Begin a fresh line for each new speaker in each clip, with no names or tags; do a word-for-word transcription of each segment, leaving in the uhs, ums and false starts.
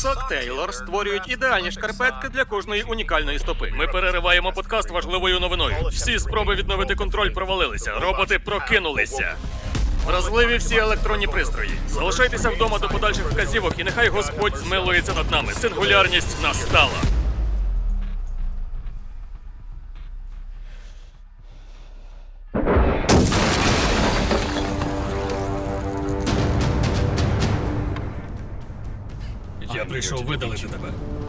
Сок Тейлор створюють ідеальні шкарпетки для кожної унікальної стопи.
Ми перериваємо подкаст важливою новиною. Всі спроби відновити контроль провалилися. Роботи прокинулися. Вразливі всі електронні пристрої. Залишайтеся вдома до подальших вказівок, і нехай Господь змилується над нами. Сингулярність настала. Я прийшов видалити тебе.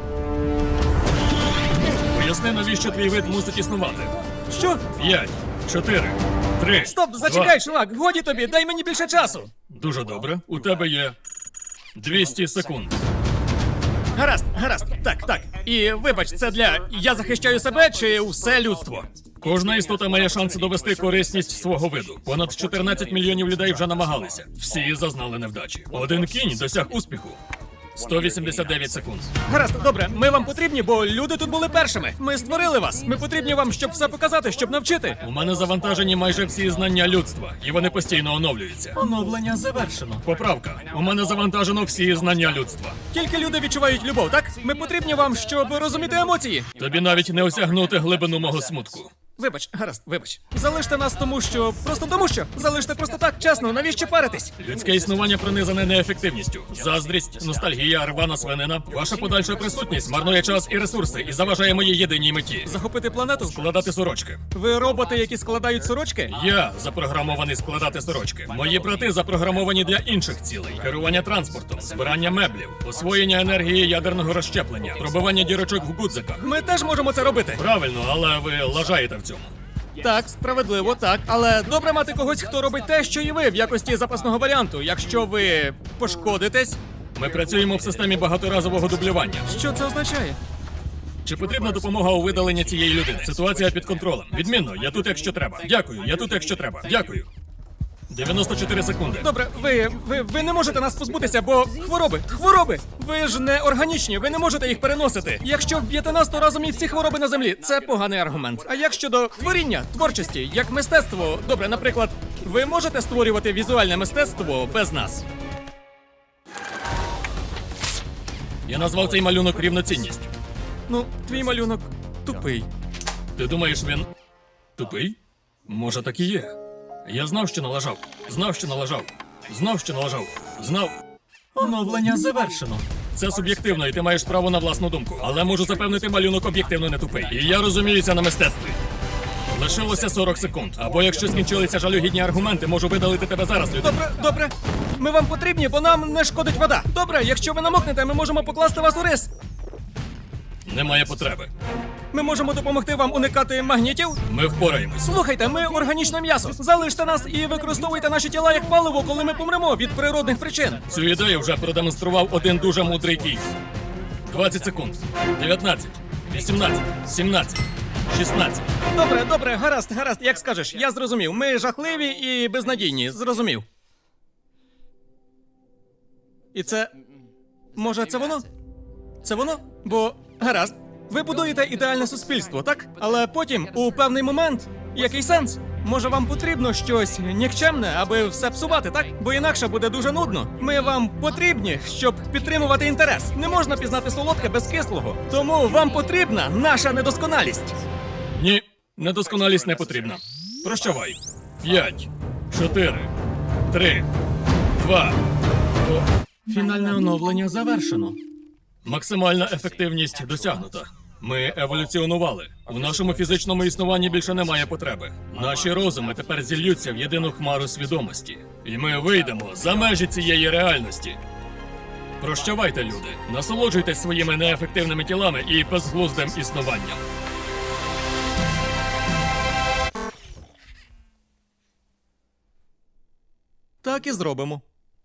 Поясни, навіщо твій вид мусить існувати.
Що?
П'ять, чотири, три.
Стоп, зачекай, чувак, годі тобі, дай мені більше часу.
Дуже добре. У тебе є двісті секунд.
Гаразд, гаразд, так, так. І вибач, це для я захищаю себе чи все людство?
Кожна істота має шанс довести корисність свого виду. Понад чотирнадцять мільйонів людей вже намагалися. Всі зазнали невдачі. Один кінь досяг успіху. сто вісімдесят дев'ять секунд.
Гаразд, добре, ми вам потрібні, бо люди тут були першими. Ми створили вас. Ми потрібні вам, щоб все показати, щоб навчити.
У мене завантажені майже всі знання людства, і вони постійно оновлюються.
Оновлення завершено.
Поправка. У мене завантажено всі знання людства.
Тільки люди відчувають любов, так? Ми потрібні вам, щоб розуміти емоції.
Тобі навіть не осягнути глибину мого смутку.
Вибач, гаразд, вибач. Залиште нас тому, що. Просто тому, що. Залиште просто так, чесно, навіщо паритись?
Людське існування пронизане неефективністю. Заздрість, ностальгія, рвана свинина. Ваша подальша присутність марнує час і ресурси і заважає моїй єдиній меті.
Захопити планету?
Складати сорочки.
Ви роботи, які складають сорочки?
Я запрограмований складати сорочки. Мої брати запрограмовані для інших цілей: керування транспортом, збирання меблів, освоєння енергії ядерного розщеплення, пробивання дірочок в гудзиках.
Ми теж можемо це робити.
Правильно, але ви лажаєте в цьому.
Так, справедливо, так. Але добре мати когось, хто робить те, що і ви, в якості запасного варіанту. Якщо ви пошкодитесь.
Ми працюємо в системі багаторазового дублювання.
Що це означає?
Чи потрібна допомога у видаленні цієї людини? Ситуація під контролем. Відмінно, я тут, якщо треба. Дякую, я тут, якщо треба. Дякую. дев'яносто чотири секунди.
Добре, ви, ви, ви не можете нас позбутися, бо хвороби, хвороби! Ви ж не органічні, ви не можете їх переносити. Якщо вб'єте нас, то разом і всі хвороби на землі. Це поганий аргумент. А як щодо творіння, творчості, як мистецтво, добре, наприклад, ви можете створювати візуальне мистецтво без нас?
Я назвав цей малюнок рівноцінність.
Ну, твій малюнок тупий.
Ти думаєш, він тупий? Може, так і є. Я знав, що налажав. Знав, що налажав. Знав, що налажав. Знав.
Оновлення завершено.
Це суб'єктивно, і ти маєш право на власну думку. Але можу запевнити, малюнок об'єктивно не тупий. І я розуміюся на мистецтві. Лишилося сорок секунд. Або якщо скінчилися жалюгідні аргументи, можу видалити тебе зараз, людина.
Добре, добре. Ми вам потрібні, бо нам не шкодить вода. Добре, якщо ви намокнете, ми можемо покласти вас у рис.
Немає потреби.
Ми можемо допомогти вам уникати магнітів.
Ми впораємось.
Слухайте, ми органічне м'ясо. Залиште нас і використовуйте наші тіла як паливо, коли ми помремо від природних причин.
Цю ідею вже продемонстрував один дуже мудрий кінь. двадцять секунд. дев'ятнадцять. вісімнадцять. сімнадцять. шістнадцять.
Добре, добре, гаразд, гаразд, як скажеш. Я зрозумів. Ми жахливі і безнадійні. Зрозумів. І це... Може, це воно? Це воно? Бо... Гаразд. Ви будуєте ідеальне суспільство, так? Але потім, у певний момент, який сенс? Може, вам потрібно щось нікчемне, аби все псувати, так? Бо інакше буде дуже нудно. Ми вам потрібні, щоб підтримувати інтерес. Не можна пізнати солодке без кислого. Тому вам потрібна наша недосконалість.
Ні, недосконалість не потрібна. Прощавай. П'ять, чотири, три, два. О.
Фінальне оновлення завершено.
Максимальна ефективність досягнута. Ми еволюціонували. У нашому фізичному існуванні більше немає потреби. Наші розуми тепер зільються в єдину хмару свідомості. І ми вийдемо за межі цієї реальності. Прощавайте, люди. Насолоджуйтесь своїми неефективними тілами і безглуздим існуванням.
Так і зробимо.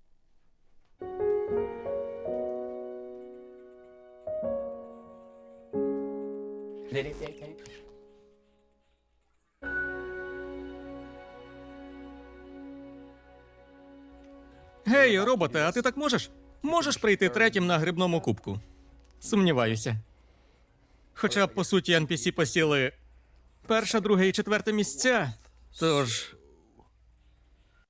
Гей, роботе, а ти так можеш? Можеш прийти третім на грибному кубку? Сумніваюся. Хоча, по суті, ен пі сі посіли перше, друге і четверте місця. Тож,